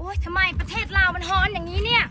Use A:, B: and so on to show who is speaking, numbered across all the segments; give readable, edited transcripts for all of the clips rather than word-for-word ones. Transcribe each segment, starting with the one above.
A: โอ๊ยทำไมประเทศลาวมันฮ้อนอย่างนี้เนี่ย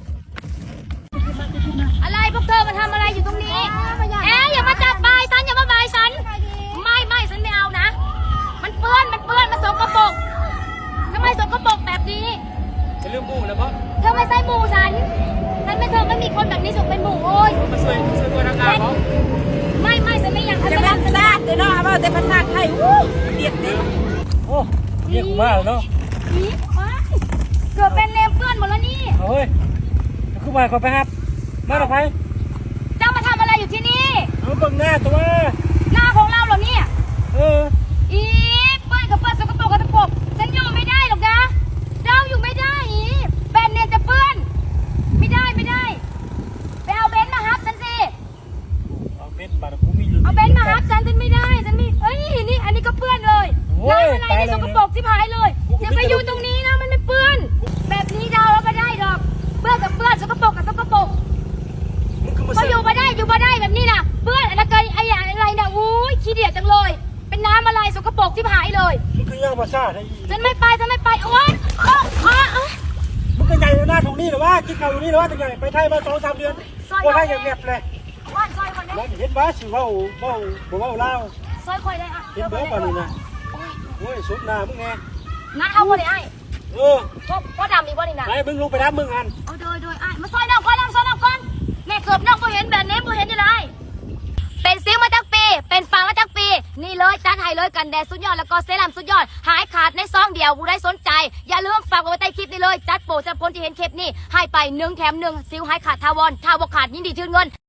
A: อะไรพวกเธอมาทำอะไรอยู่ตรงนี้อย่ามาจับบายฉันอย่ามาบายฉันไม่ฉันไม่เอานะมันเปื้อนมันสกปรกทำไมสกปรกแบบนี้
B: จะเรื่องหมู่แล้วเพราะ
A: เธอไม่ใช่หมู่ฉันไม่เธอไม่มีคนแบบนี้ถูกเป็นหมู่โอ้ย
B: มาช่วยตัวทางการเขา
A: ไม่ฉันไม่อยากทำ
C: จะเป็นซาดเดี๋ยวเนาะว่าแต่ภาษาไทยเดียดดิ
B: โอ้เรียกกูมาแล้วเนาะ
A: เกือบเป็นเลมเปื้อนหมดแล้วนี่
B: เฮ้ยกูมาขอไปครับมาหน่อยไป
A: เจ้ามาทำอะไรอยู่ที่นี่
B: เบิ่งหน้าตัว
A: หน้าของเราเหรอเนี่ยอีเปื้อนกับเปื้อนสกปรกกับสกปรกฉันอยู่ไม่ได้หรอกนะเจ้าอยู่ไม่ได้เป็นเนี่ยจะเปื้อนไม่ได้ไปเอาเบนซ์มาฮับฉันสิ
B: เอาเบนซ์มากูมี
A: เอาเบนซ์มาฮับฉันไม่ได้เอ้ยนี่อันนี้ก็เปื้อนเลยน้ำอะไรนี่สกปรกที่หายเลยอย่าไปอยู่ตรงนี้นะมันไม่เปื้อนแบบนี้เราไม่ได้หรอกเปื้อนกับเปื้อนสกปรกกับสกปรกก็อยู่มาได้แบบนี้นะเปื้อนอะไรนะอุ้ยขี้เดียดจังเลยเป็นน้ำอะไรสกปรกที่หายเลย
B: มันคือย่างมาซาได้
A: ฉันไม่ไปโอ๊ย
B: มึงก็ใหญ่หน้าตรงนี้หรือว่ากินข้าวอยู่นี่หรือว่าจะใหญ่ไปไทยมา2-3 เดือนว่าไทยอย่างเงียบเลยแล้วเห็นว่าสิว่าเล่า
A: ซอยคอยได้
B: เห็นเบอร์ป่ะนี่นะโอ้ยสุดหน้ามึงไง
A: น้าเอาบ่ได้ก็ดำอีกบ่นี่นะ
B: ไอ้มึงลงไปน้ำมึงอัน
A: เอาโดยมาซอยน้องก่อนแม่เกือบน้องบ่เห็นแบบนี้บ่เห็นยังไงเป็นซิ้วมาตั้งปีเป็นฟางมาตั้งปีนี่เลยจัดให้เลยกันแดดสุดยอดแล้วก็เซรั่มสุดยอดหายขาดในซองเดียวผู้ใดสนใจอย่าลืมฝากไว้ใต้คลิปนี้เลยจัดโปรสำหรับคนที่เห็นคลิปนี้ให้ไป1 แถม 1ซิ้วหายขาดทาวรถ้าบ่ขาดยิ่งดีชื่นเงิน